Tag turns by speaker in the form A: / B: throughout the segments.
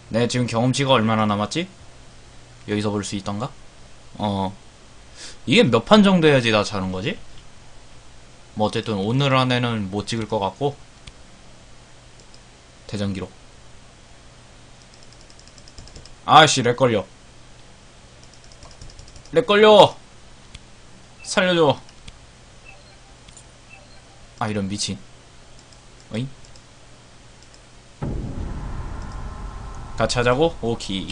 A: 내 지금 경험치가 얼마나 남았지? 여기서 볼 수 있던가? 이게 몇 판 정도 해야지 나 자는 거지? 뭐 어쨌든 오늘 안에는 못 찍을 것 같고. 대전 기록. 아씨 렉 걸려. 렉 걸려. 살려줘. 아 이런 미친. 어잉? 같이 하자고? 오케이.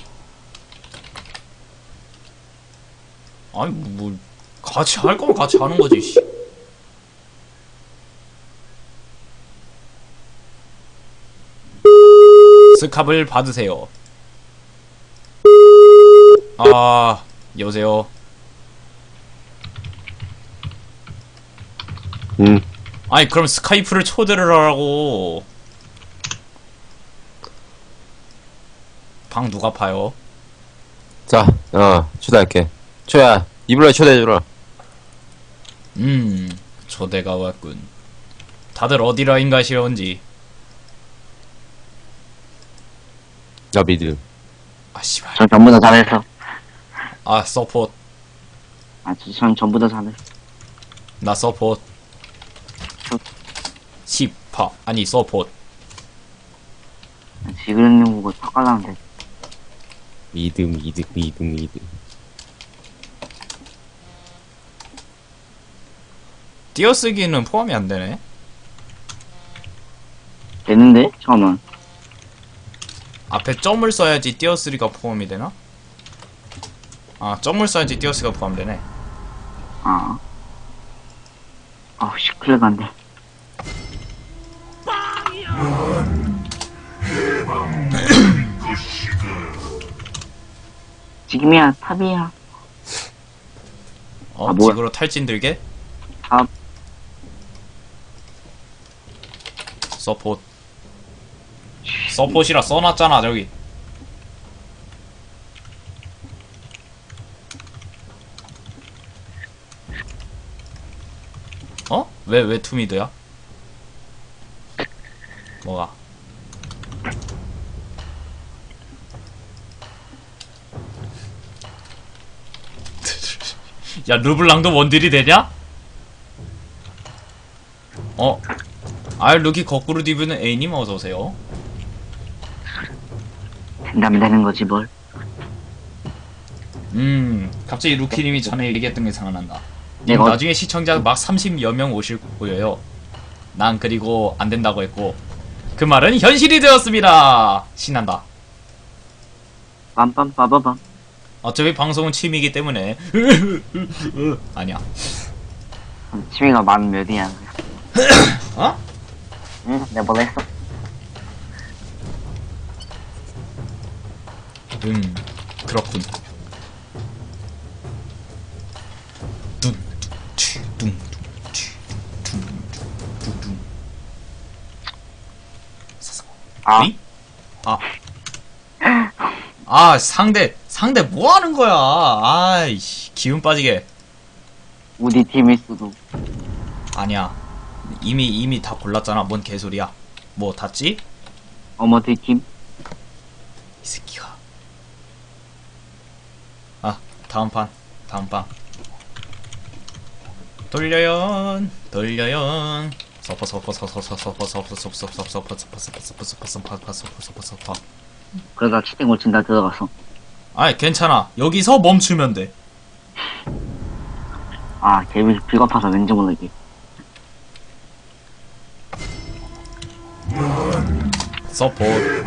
A: 아니 뭐 같이 할 거면 같이 하는 거지. 씨. 스캅을 받으세요. 아 여보세요. 아니 그럼 스카이프를 초대를 하라고. 방 누가 파요?
B: 자, 초대할게. 초야, 이불로 초대해주라.
A: 초대가 왔군. 다들 어디 라인 가시려는지.
B: 나 미드.
A: 아 씨발.
C: 전 전부 다 잘했어.
A: 아 서포트.
C: 전 전부 다 잘했어.
A: 나 서포트. 10파 아니 서포트.
C: 지그릇님 보고 삭발하는데.
B: 미드.
A: 띄어쓰기는 포함이 안 되네.
C: 되는데? 처음은.
A: 앞에 점을 써야지 띄어쓰기가 포함이 되나? 아 점을 써야지 띄어쓰기가 포함되네.
C: 아우, 시끌간데. 지금이야, 탑이야. 뭐야?
A: 지구로 탈진 들게?
C: 탑.
A: 서포트. 서폿이라 써놨잖아 저기. 어? 왜 투미드야? 뭐가? 야 르블랑도 원딜이 되냐? 루키 거꾸로 디브는 A님 어서오세요.
C: 된다면 되는 거지, 뭘.
A: 갑자기 루키님이 전에 얘기했던 게 생각난다.
C: 내가
A: 나중에 시청자 막 30여 명 오실 거예요. 난 그리고 안 된다고 했고 그 말은 현실이 되었습니다. 신난다.
C: 빰빰빠바밤.
A: 어차피 방송은 취미이기 때문에 아니야.
C: 취미가 만 몇이야.
A: 어?
C: 응, 내가 뭘 했어?
A: 그렇군. 둥둥둥둥둥둥둥. 어이? 상대 뭐 하는 거야? 아이씨, 기운 빠지게.
C: 우리 팀일 수도.
A: 아니야. 이미 다 골랐잖아. 뭔 개소리야. 뭐 닿지?
C: 어머들 팀.
A: 이 새끼가. 다음 판. 돌려연. 서퍼.
C: 그러다 치팅 올친다 들어갔어.
A: 아이 괜찮아. 여기서 멈추면 돼.
C: 개비 비겁해서 왠지 모르게.
A: 서포트.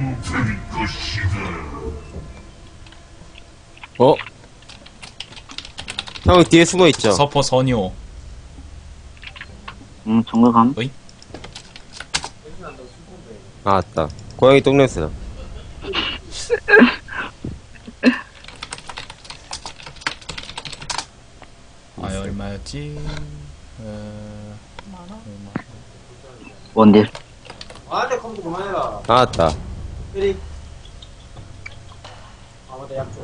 B: 형 뒤에 숨어있죠?
A: 서포 선요.
C: 정글감.
A: 어이?
B: 맞다. 고양이 똥냄새다.
A: 얼마였지?
C: 원딜.
D: 아내 컴퓨터 그만해라.
B: 맞다.
D: 에리. 아무도 약속.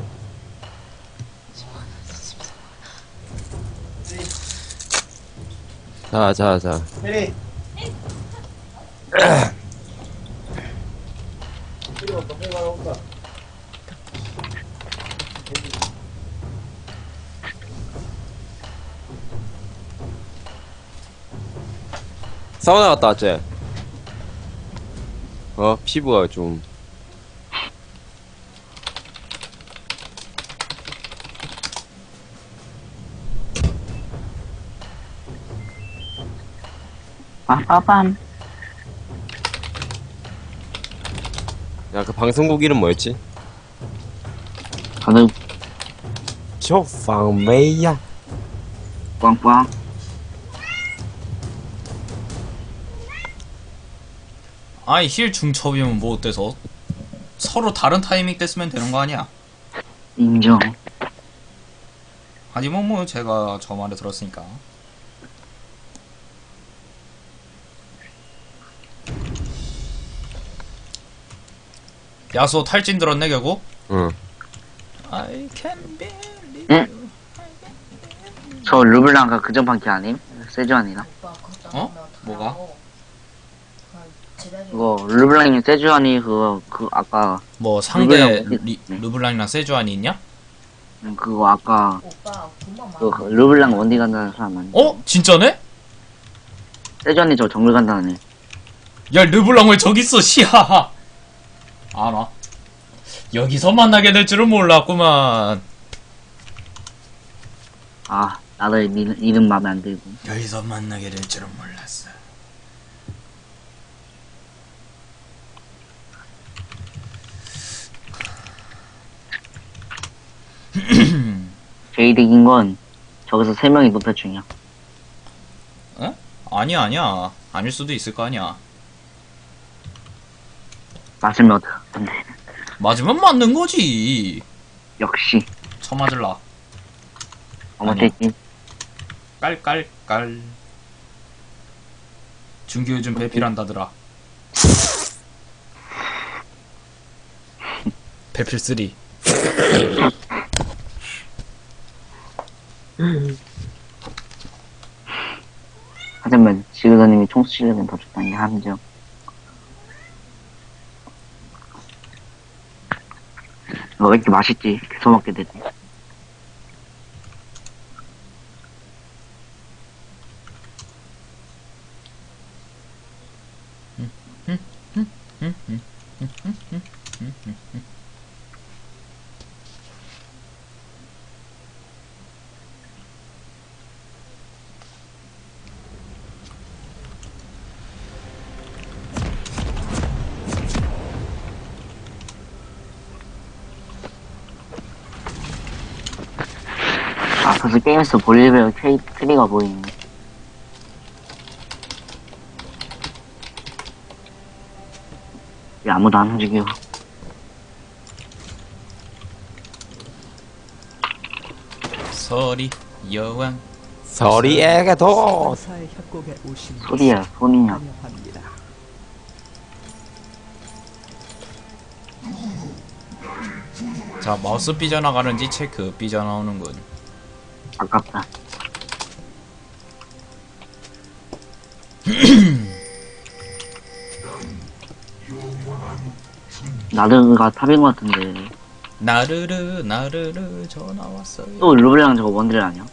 B: 자.
D: 에리. 필요 없다. 해가 온다.
B: 사우나 갔다 왔지? 피부가 좀.
C: 빠빠밤.
B: 야, 그 방송국 이름 뭐였지?
C: 다들
B: 조팡메이야.
C: 꽝꽝.
A: 아이 힐 중첩이면 뭐 어때서? 서로 다른 타이밍 때 쓰면 되는 거 아니야?
C: 인정.
A: 하지만 뭐 제가 저 말을 들었으니까. 야수 탈진 들었네 결국?
B: 응.
A: I can believe
C: 응?
A: you.
C: 저 르블랑가 그전판 기 아님? 세주안이나?
A: 어? 뭐가?
C: 그거 르블랑이 세주안이 그거 아까
A: 뭐 상대
C: 르블랑
A: 르블랑이랑 세주안이 있냐?
C: 그거 아까
E: 오빠 돈만
C: 그
E: 많아.
C: 르블랑 원디 간다는 사람 아니?
A: 어? 진짜네?
C: 세주안이 저 정글 간다는 애.
A: 야 르블랑 왜 저기 있어 시하하. 안 와. 여기서 만나게 될 줄은 몰랐구만.
C: 아 나도 이름 마음에 안 들고.
A: 여기서 만나게 될 줄은 몰랐어.
C: 제일 이긴 건 저기서 3명이 노태 중이야.
A: 어? 아니야. 아닐 수도 있을 거 아니야.
C: 맞으면 어떡한데.
A: 맞으면 맞는 거지.
C: 역시
A: 쳐맞을라.
C: 어머테 팀.
A: 깔깔깔. 준규 요즘 배필한다더라. 배필 3.
C: 하지만 지그더님이 총수 실력은 더 좋다는 게 함정. 너 왜 이렇게 맛있지? 계속 먹게 되지. 아, 벌써 게임에서 볼리베어 트리가 보이네. 왜 아무도 안 움직여?
A: 서리 여왕.
B: 서리에게 도.
F: 사의 협곡에 오신
C: 소리야, 손이냐.
F: 환영합니다.
A: 자 마우스 삐져나가는지 체크. 삐져나오는군.
C: 아깝다. 나르가 탑인 것 같은데.
A: 나르르 전화 왔어요.
C: 또 르블랑 저거 원딜 아니야?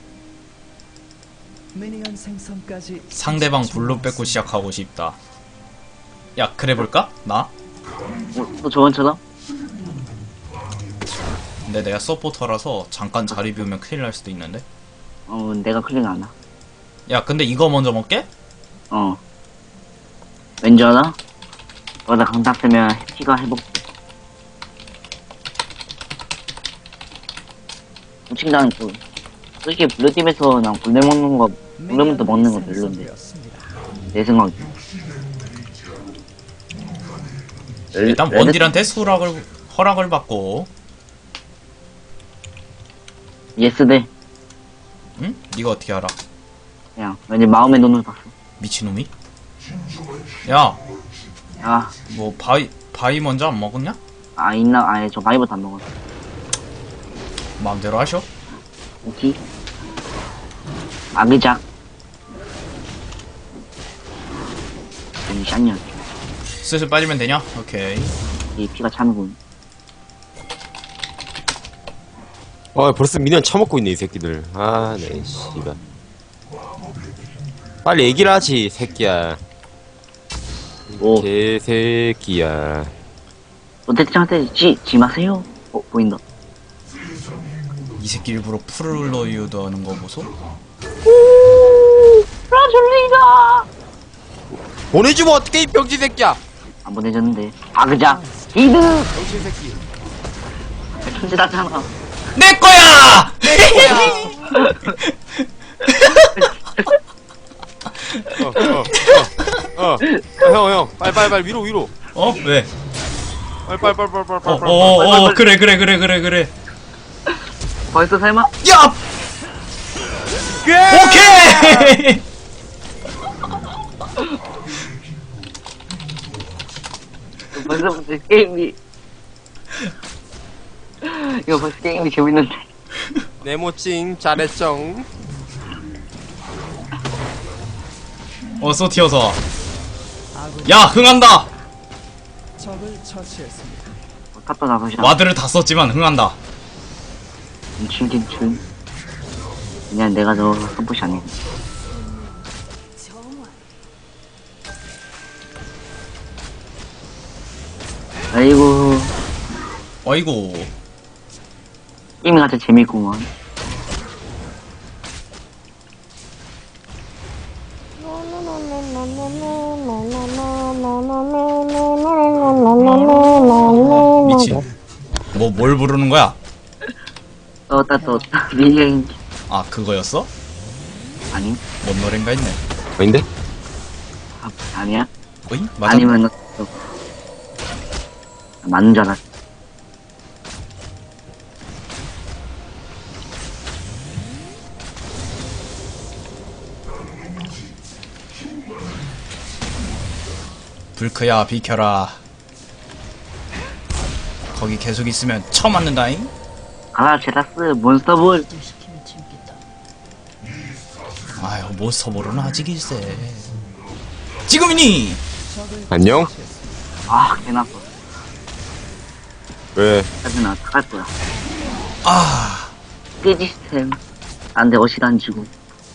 F: 미니언 생성까지
A: 상대방
F: 30초
A: 블루 뺏고
F: 남았습니다.
A: 시작하고 싶다. 야 그래볼까? 나?
C: 또 저번처럼?
A: 근데 내가 서포터라서 잠깐 자리 비우면 큰일 날 수도 있는데.
C: 내가 클릭 안 하.
A: 야 근데 이거 먼저 먹게?
C: 왠지 알아? 너가 강타 쓰면 피가 회복. 솔직히 나는 솔직히 블루팀에서 난 골렘 먹는 거, 골렘부터 먹는 거 별론데.
F: 생성되었습니다.
C: 내 생각에.
A: 일단 원딜한테 허락을 받고.
C: 예스대.
A: 응? 네가 어떻게 알아?
C: 그냥 왠지 마음의 눈을 봤어.
A: 미친놈이? 야,
C: 아,
A: 뭐 바위 먼저 안 먹었냐?
C: 있나? 아니, 저 바이버도 안 먹었어.
A: 마음대로 하셔.
C: 오케이. 아기작. 이 샷년.
A: 슬슬 빠지면 되냐? 오케이.
C: 이 피가 차는군.
B: 벌써 미니언 처먹고 있네 이 새끼들. 아, 네, 씨발. 빨리 얘기를 하지, 새끼야.
C: 오.
B: 개새끼야.
C: 롯데짱한테 지 마세요. 보인다.
A: 이 새끼 일부러 풀로 유도하는 거 보소?
C: 라졸리가
B: 보내주면 어떡해, 이 병신 새끼야!
C: 안 보내줬는데. 아그작. 이드.
B: 병신 새끼.
C: 천재 나잖아.
A: 내 거야!
B: 형, 빨리, 위로.
A: 어? 왜?
B: 빨리.
A: 그래.
C: 벌써 설마?
A: 야! 오케이!
C: 벌써부터 게임이. 이거 벌써 게임이 재밌는데.
B: 네모찡, 잘했쩡.
A: 어서 튀어서 와. 야, 흥한다!
F: 적을 처치했습니다.
C: 갖다 나가시라.
A: 와드를 다 썼지만 흥한다.
C: 김춘. 그냥 내가 너 선포시 안 해. 아이고,
A: 어이구.
C: 게임이 가장 재밌구만.
A: 미친. 뭘 부르는 거야?
C: 떴다. 미행.
A: 아, 그거였어?
C: 아니?
A: 뭔 노랜가 했네.
B: 아닌데?
C: 아니야?
A: 어이? 맞아?
C: 아니면, 맞는 줄 알았어.
A: 불크야, 비켜라. 거기 계속 있으면 쳐 맞는다잉?
C: 가라, 제라스, 몬스터볼.
A: 아유, 몬스터볼은 아직 일세. 지금이니!
B: 안녕?
C: 아, 개나빠.
B: 왜?
C: 짜증나, 어떡할 거야.
A: 아,
C: 삐 시스템. 안 돼, 어시도 안 주고.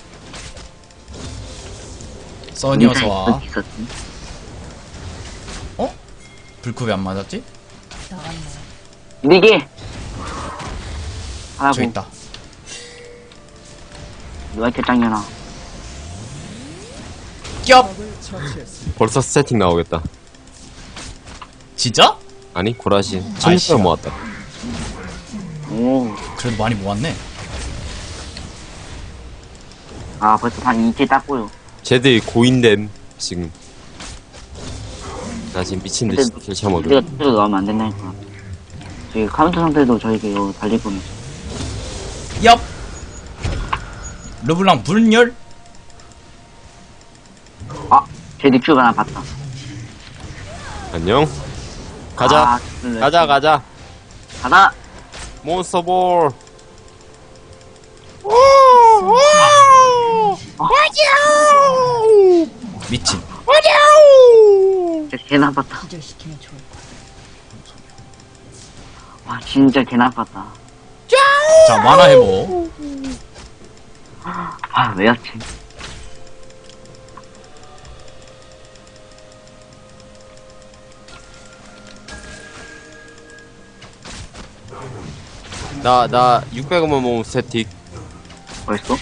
A: 써니 어서 와.
C: 있었지.
A: 어? 불크 왜 안 맞았지?
C: 이게 하라고.
A: 저 있다.
C: 누가 이렇게 짱이나.
A: 겹!
F: 적을 처치했습니다.
B: 벌써 세팅 나오겠다.
A: 진짜?
B: 아니, 고라신.
A: 아이씨.
B: 1000명 모았다.
C: 오.
A: 그래도 많이 모았네.
C: 아, 벌써 한 2킬 땄고요.
B: 쟤들 고인됨, 지금. 나 지금 미친듯이 킬 쳐먹어.
C: 우리가 투표로 나오면 안 된다니까. 저희 카운터 상태도 저에게 이거 달릴 거면서.
A: 엽! 르블랑 불멸?
C: 아, 제 닉슈가 하나 봤다.
B: 안녕? 가자.
C: 아,
B: 가자.
C: 가다!
B: 몬스터볼.
A: 미친.
C: 진짜 개 나빴다. 와, 진짜 개 나빴다.
A: 자, 만화 해보.
C: 아, 왜였지?
B: 나 600원만 모으면 스태틱.
C: 벌써?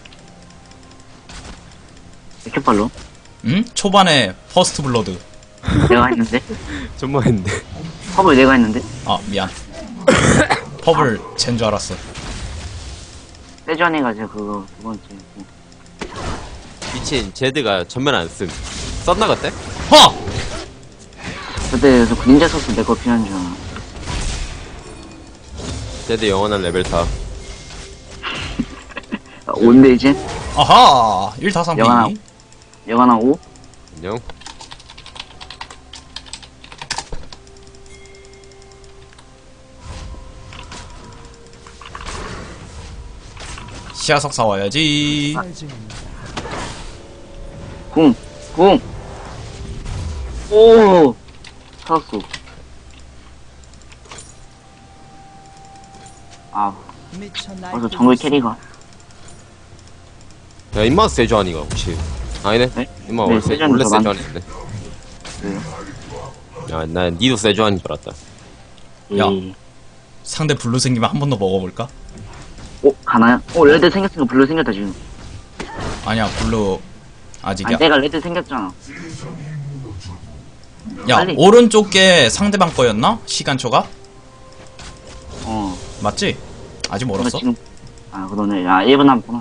C: 이렇게 빨로?
A: 응? 초반에 퍼스트 블러드.
C: 내가 했는데?
B: 좀만 했는데.
C: 컵을 내가 했는데?
A: 아, 미안. 펍을 쟨 줄 알았어.
C: 세전에 가지고 그거 두 번째.
B: 미친, 제드가 전면 안 쓴. 썼나 그때?
A: 허!
C: 그때 그 닌자 소스 내 거 필요한 줄 알아.
B: 제드 영원한 레벨 4.
C: 온데 이제?
A: 아하! 1다
C: 영화나.
A: 3피.
C: 영화나 5?
B: 안녕?
A: 시야석 사와야지.
F: 살증입니다.
C: 궁! 오! 살았어. 아,
F: 미쳐
C: 벌써 정글 캐리가.
B: 야, 임마 세주안이가 혹시. 아니네?
C: 네?
B: 임마
C: 네,
B: 원래
C: 세주안이
B: 원래
C: 더 많-
B: 세주안인데.
C: 왜요?
B: 야, 난 니도 세주안인 줄 알았다.
A: 야.
C: 이-
A: 상대 블루 생기면 한 번 더 먹어볼까?
C: 가나요? 레드 생겼으니까 블루 생겼다, 지금.
A: 아니야 블루 아직이야.
C: 아니, 내가 레드 생겼잖아.
A: 야
C: 빨리.
A: 오른쪽 게 상대방 거였나? 시간초가? 맞지? 아직
C: 내가
A: 멀었어?
C: 지금, 그러네. 1분 남았구나.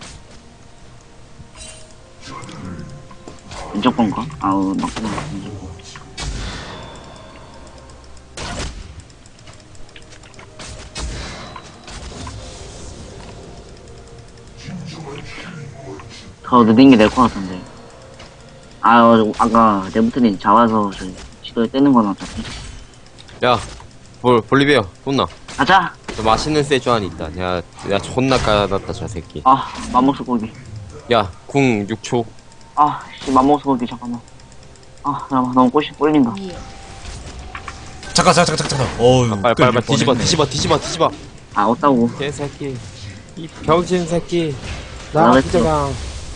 C: 왼쪽 건가? 맞구나. 더 느린 게 될 것 같은데. 아까 네부트린 잡아서 시도에 떼는 건 어차피.
B: 야, 볼리비아, 혼나.
C: 가자!
B: 저 맛있는 세주안이 있다. 야, 존나 까놨다, 저 새끼.
C: 맘먹스 고기.
B: 야, 궁 6초.
C: 맘먹스 고기, 잠깐만. 잠깐만, 너무 꼬시 꼴린다.
A: 잠깐. 어우
B: 빨리, 뒤집어.
C: 없다고.
B: 개새끼. 이 병신 새끼. 나
C: 나랬어.
B: 기저강.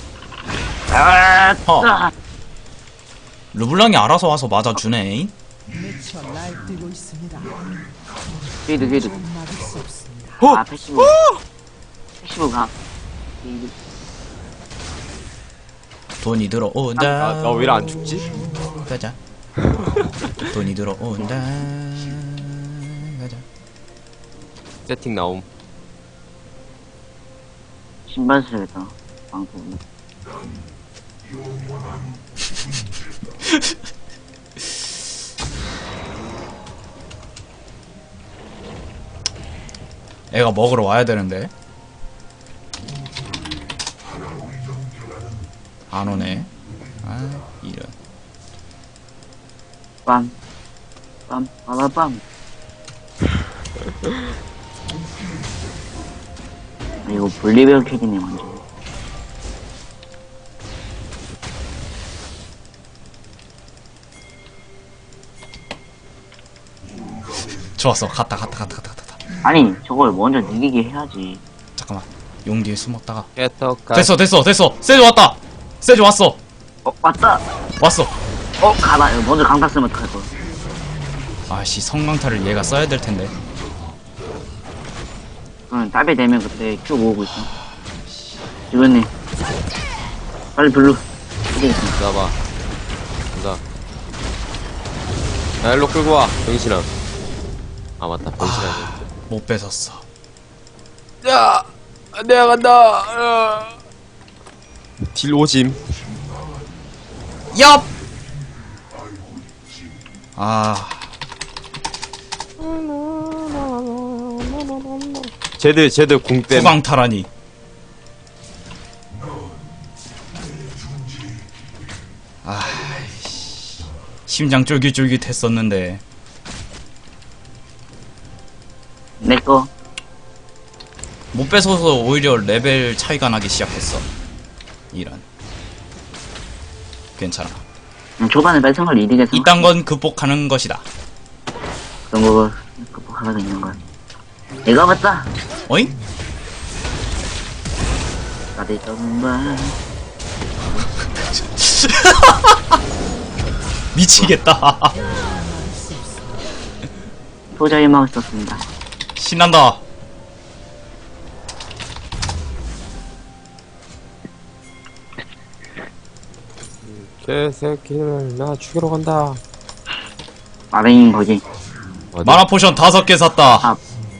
A: 어. 르블랑이 알아서 와서 맞아주네.
F: 미쳐 날뛰고 있습니다.
C: 휘드.
F: 막을 수 없습니다.
C: 패시브. 패시브 가. 휘드.
A: 돈이 들어온다.
B: 나 왜 안 죽지?
A: 가자. 돈이 들어온다. 가자.
B: 세팅 나옴.
C: 신발 써야겠다. 방금.
A: 애가 먹으러 와야 되는데 안 오네. 이런.
C: 빠라빰. 이거 볼리베어 캐리네, 완전.
A: 좋았어. 갔다.
C: 아니, 저걸 먼저 느리게 해야지.
A: 잠깐만. 용 뒤에 숨었다가.
B: 개떡가.
A: 됐어. 세주 왔다. 세주 왔어.
C: 왔다!
A: 왔어.
C: 가다. 이거 먼저 강타 쓰면 어떡할 거야.
A: 아씨 성강타를 얘가 써야 될 텐데.
C: 그럼 딸배 되면 그때 큐 모으고 있어. 이거네. 빨리 블루.
B: 잡아. 간다. 야, 일로 끌고 와, 병신아. 맞다, 병신아.
A: 못 뺏었어.
B: 야! 내가 간다! 딜 오짐.
A: 얍.
B: 쟤들 궁댐.
A: 후광타라니. 심장 쫄깃쫄깃했었는데.
C: 내꺼.
A: 못 뺏어서 오히려 레벨 차이가 나기 시작했어. 이런. 괜찮아.
C: 초반에 뺏은 걸 이득해서.
A: 이딴 건 극복하는 것이다.
C: 그런 거 극복하가 있는 거야. 내가 봤다.
A: 어잉?
C: 나도 정말.
A: 미치겠다.
C: 소자의 마을 썼습니다.
A: 신난다.
B: 개새끼를 나 죽이러 간다.
C: 마레인 거지.
B: 어디?
A: 마나 포션 5개 샀다.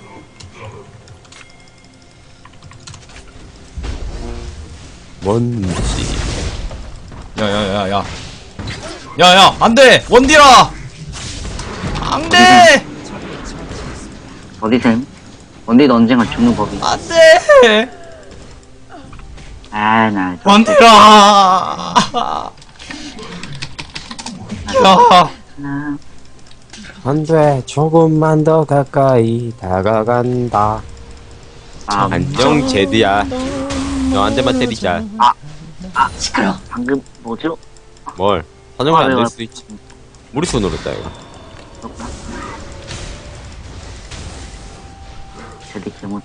B: 뭔지.
A: 야야야야. 야야 안돼 원디라. 안돼
C: 어디셈? 원디도 언젠가 죽는 법이.
A: 안돼
C: 나.
A: 원디라. 야.
C: 나.
B: 안돼, 조금만 더 가까이 다가간다. 안녕, 제드야. 너 한 대만 때리자.
C: 시끄러. 방금 뭐죠?
B: 뭘? 사정이 안
C: 왜,
B: 될
C: 왜.
B: 수도 있지. 우리 손으로 했다, 이거.
C: 제대 개못.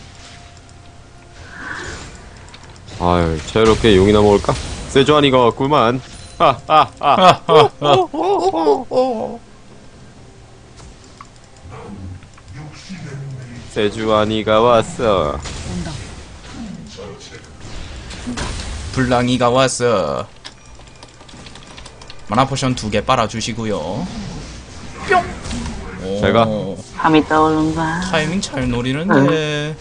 B: 아유, 저렇게 용이나 먹을까? 세주안이가 왔구만. 하하하. 세주안이가 왔어.
F: 온다.
A: 불랑이가 왔어. 마나 포션 2개 빨아주시고요. 뿅.
B: 잘 가.
C: 함이 떠오른다.
A: 타이밍 잘 노리는데.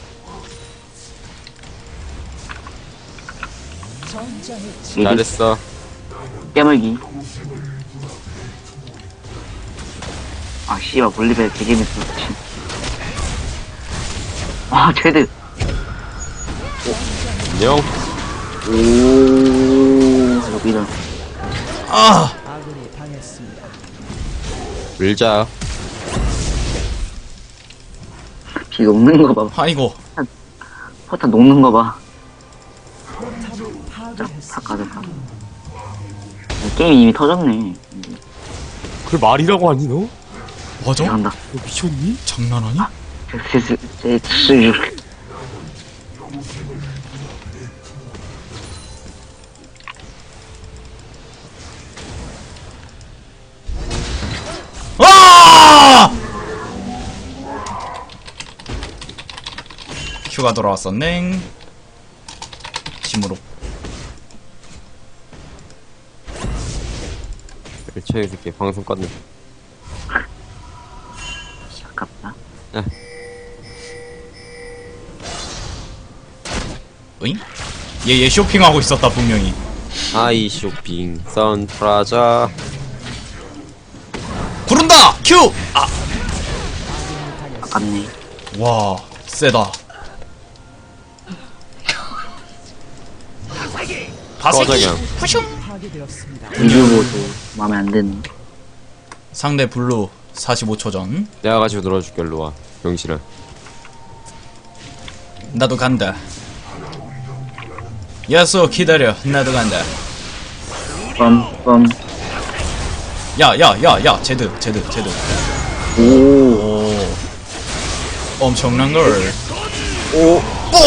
F: 전장의
B: 잘했어.
C: 깨물기. 아, 씨발, 볼리베 되게 재밌어. 아, 쟤들.
B: 안녕.
C: 오, 여기는.
A: 아!
F: 아군이 당했습니다.
B: 밀자.
C: 비 녹는 거 봐.
A: 아이고.
C: 포탄 녹는 거 봐.
F: 포탑을
C: 다
F: 파괴했습니다.
C: 가져가. 게임이 이미 터졌네.
B: 그걸 말이라고 하니 너?
A: 맞아?
C: 간다.
B: 너 미쳤니?
A: 장난하니? 아! 큐가 돌아왔었네. 심으로.
B: 일체의 새끼 방송 껐네.
C: 아깝다.
A: 으잉? 얘 쇼핑하고 있었다 분명히.
B: 아이 쇼핑 선프라자.
A: 구른다! 큐! 아!
C: 아깝네.
A: 와, 세다.
B: 꺼져냥.
F: 파괴되었습니다.
C: 리뷰보도 마음에 안 드네.
A: 상대 블루 45초 전.
B: 내가 가지고 놀아줄게. 일로와 병신아.
A: 나도 간다. 야쏘 기다려. 나도 간다.
C: 뻔.
A: 야, 제드.
C: 오.
A: 오. 엄청난 걸.
C: 오.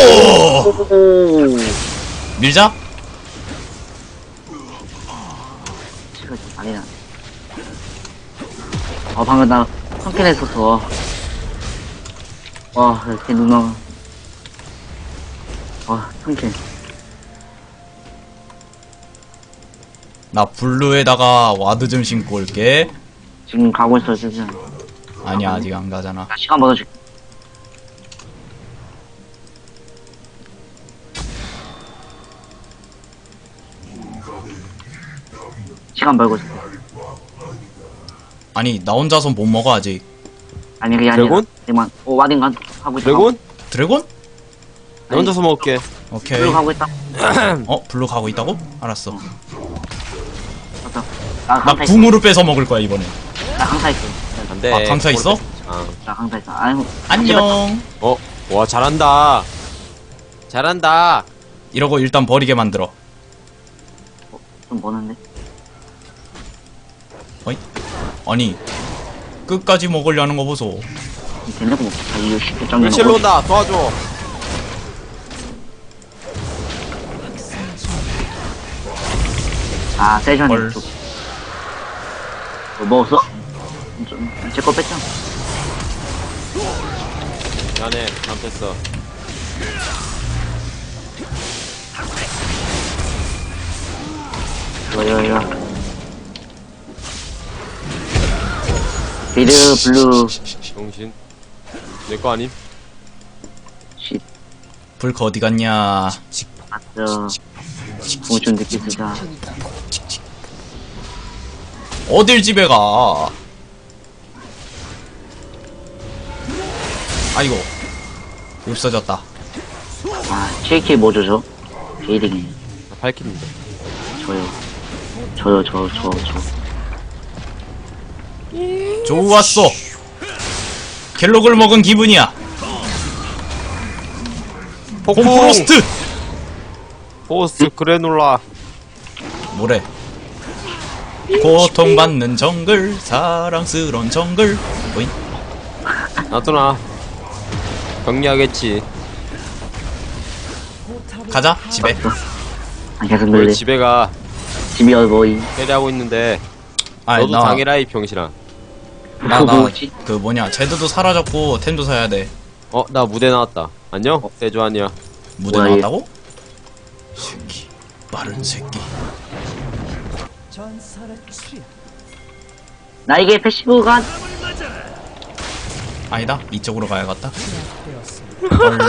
A: 밀자?
C: 시간 좀 많이 나. 방금 나 성캔했었어. 와, 이렇게 누나. 성캔.
A: 나 블루에다가 와드 좀 신고 올게.
C: 지금 가고 있어, 지금.
A: 아니야, 아직 안 가잖아.
C: 나 시간 벌어줄게. 시간 벌고 있어.
A: 아니, 나 혼자서 못 먹어, 아직.
C: 아니, 그게 아니라.
B: 드래곤?
C: 지금, 와딩간 하고 있어.
B: 드래곤?
A: 드래곤?
B: 나 혼자서 먹을게.
A: 오케이.
C: 블루 가고 있다.
A: 블루 가고 있다고? 알았어.
C: 맞다. 나
A: 나
C: 강타 있어.
A: 궁으로 뺏어 먹을 거야, 이번에.
C: 나 강타 있어.
B: 안돼.
A: 아, 강타 있어?
C: 나 강타 있어. 아이고.
A: 안녕.
B: 와 잘한다. 잘한다.
A: 이러고 일단 버리게 만들어.
C: 좀 머는데?
A: 어이? 아니, 끝까지 먹으려는 거 보소.
C: 된다고 먹자. 이거 쉽게 짱
B: 일실로 온다. 도와줘.
C: 세션
A: 헐.
C: 쪽. 뭐 먹었어? 제거 뺐잖아.
B: 미안해. 잘못했어.
C: 이거. 미드, 블루,
B: 정신. 내 거 아님?
C: 쉿,
A: 불크 어디 갔냐?
C: 맞죠. 공좀 늦게 쓰자.
A: 어딜 집에 가? 아이고, 없어졌다.
C: JK 뭐 줘죠? 게이딩이.
B: 나 밝히는데.
C: 저요.
A: 좋았어. 갤록을 먹은 기분이야.
B: 폭풍.
A: 홈프로스트.
B: 포스트 그래놀라.
A: 뭐래? 고통받는 정글, 사랑스러운 정글. 오잉?
B: 놔둬놔. 정리하겠지.
F: 포탑을
A: 가자 집에.
C: 아, 계속
B: 우리
C: 놀래.
B: 집에 가.
C: 집이 어디?
B: 때리하고 있는데.
A: 아니
B: 너도 당해라, 이 병신아.
A: 나
C: 뭐지?
A: 그 뭐냐 제드도 사라졌고 템도 사야 돼.
B: 나 무대 나왔다. 안녕? 세주안이야.
A: 무대
C: 뭐야,
A: 나왔다고? 새끼 빠른 새끼.
F: 전설의 출현.
C: 나에게 패시브가
A: 아니다 이쪽으로 가야겠다.
F: 제압되었습니다.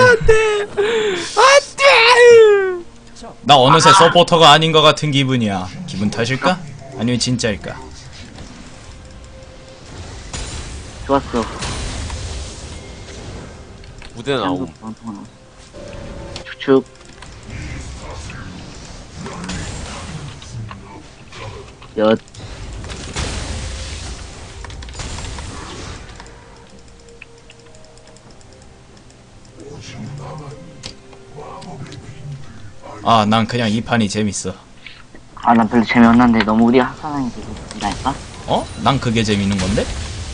A: 나 어느새 서포터가 아닌 것 같은 기분이야. 기분 탓일까? 아니면 진짜일까?
C: 좋았어.
B: 무대 나옴.
C: 축축. 엿.
A: 아 난 그냥 이 판이 재밌어.
C: 아, 난 별로 재미없는데 너무 우리 학사랑이 되게 웃긴다니까?
A: 어? 난 그게 재밌는 건데?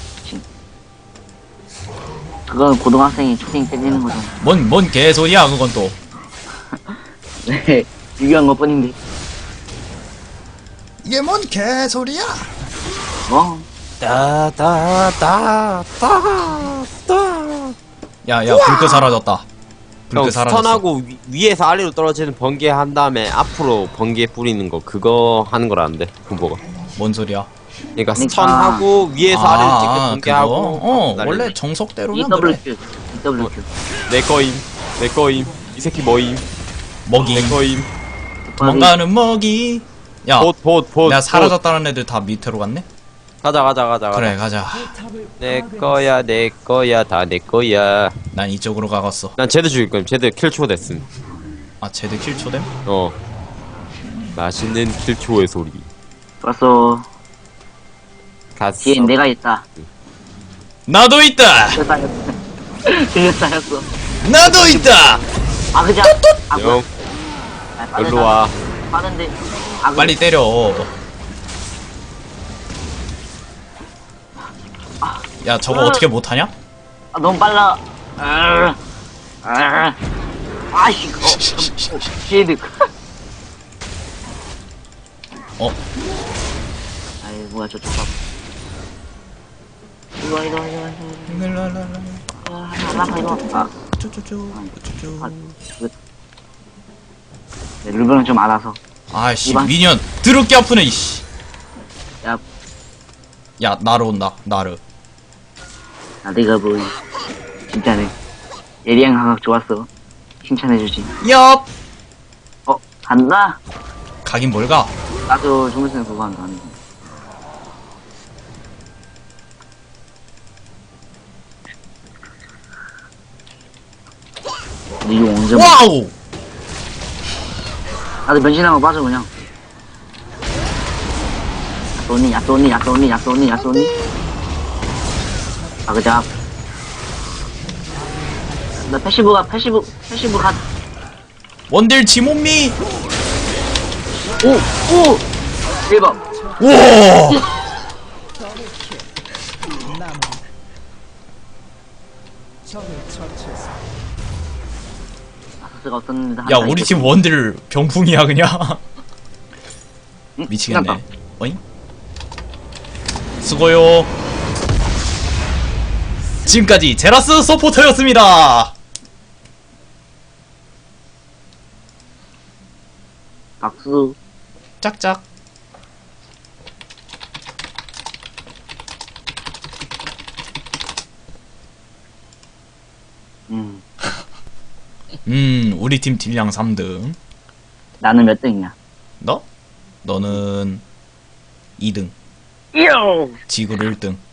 C: 그건 고등학생이 초딩 때리는 거잖아.
A: 뭔 개소리야 그건 또.
C: 네, 유기한 것 뿐인데.
A: 이게 뭔 개소리야?
C: 뭐?
A: 야야 불크 사라졌다. 불크
B: 형,
A: 사라졌어.
B: 스턴하고 위에서 아래로 떨어지는 번개 한 다음에 앞으로 번개 뿌리는 거, 그거 하는 거라는데, 군보가.
A: 뭔 소리야?
B: 그러니까
C: 그러니까.
B: 스턴하고 위에서 아래로 찍게 번개하고.
A: 그거?
B: 날리는
A: 원래
C: 이
A: 정석대로면
C: 더블
A: 그래.
C: 큐. 이 더블 큐.
B: 내 거임. 내 거임. 이 새끼 뭐임.
A: 먹이.
B: 내 거임.
A: 도망가는 먹이. 야
B: 봇.
A: 내가 사라졌다는 애들 다 밑으로 갔네?
B: 가자.
A: 그래 가자.
F: 포탑을
B: 내 거야, 내 거야, 다 내 거야.
A: 난 이쪽으로 가갔어.
B: 난 제드 죽일 거임. 제드 킬초 됐음.
A: 아 쟤들 킬초됨?
B: 맛있는 킬초의 소리.
C: 좋았어.
B: 갔어.
C: 뒤엔 내가 있다.
A: 나도 있다!
C: 들렸다였어.
A: 나도 있다!
C: 아, 그자. 아, 뭐야.
B: 형,
C: 아, 빠르다.
B: 일로 와.
C: 빠른데. 아,
A: 빨리 때려. 야 저거 어떻게 못하냐?
C: 아, 너무 빨라. 아이씨, 쉐이드.
A: 어?
C: 아이, 뭐야, 저쪽 봐. 이리 와. 이리 와. 아, 네, 룰브는 좀 알아서.
A: 아이씨
C: 이만.
A: 미니언 드럽게 아프네 이씨.
C: 야,
A: 야 나르 온다 나르.
C: 나대가 보이. 진짜네. 예리한 감각 좋았어. 칭찬해주지.
A: 얍!
C: 간다?
A: 가긴 뭘 가?
C: 나도 중국생 그거 한다. 근데 이거 언제 먹
A: 와우!
C: 나도 변신하고 빠져 그냥. 야쏘니. 아, 그자. 나 패시브 가.
A: 원딜 지몬미!
C: 오! 대박.
A: 우와!
F: 남은 적을 처치했습니다.
C: 아서스가 없었는데.
A: 야 우리 팀 원딜 병풍이야 그냥. 미치겠네.
C: 끝났다.
A: 어잉? 수고요. 지금까지 제라스 서포터였습니다.
C: 박수.
A: 짝짝. 우리 팀 딜량 3등.
C: 나는 몇 등이냐?
A: 너? 너는 2등.
C: 이요!
A: 지구를 1등.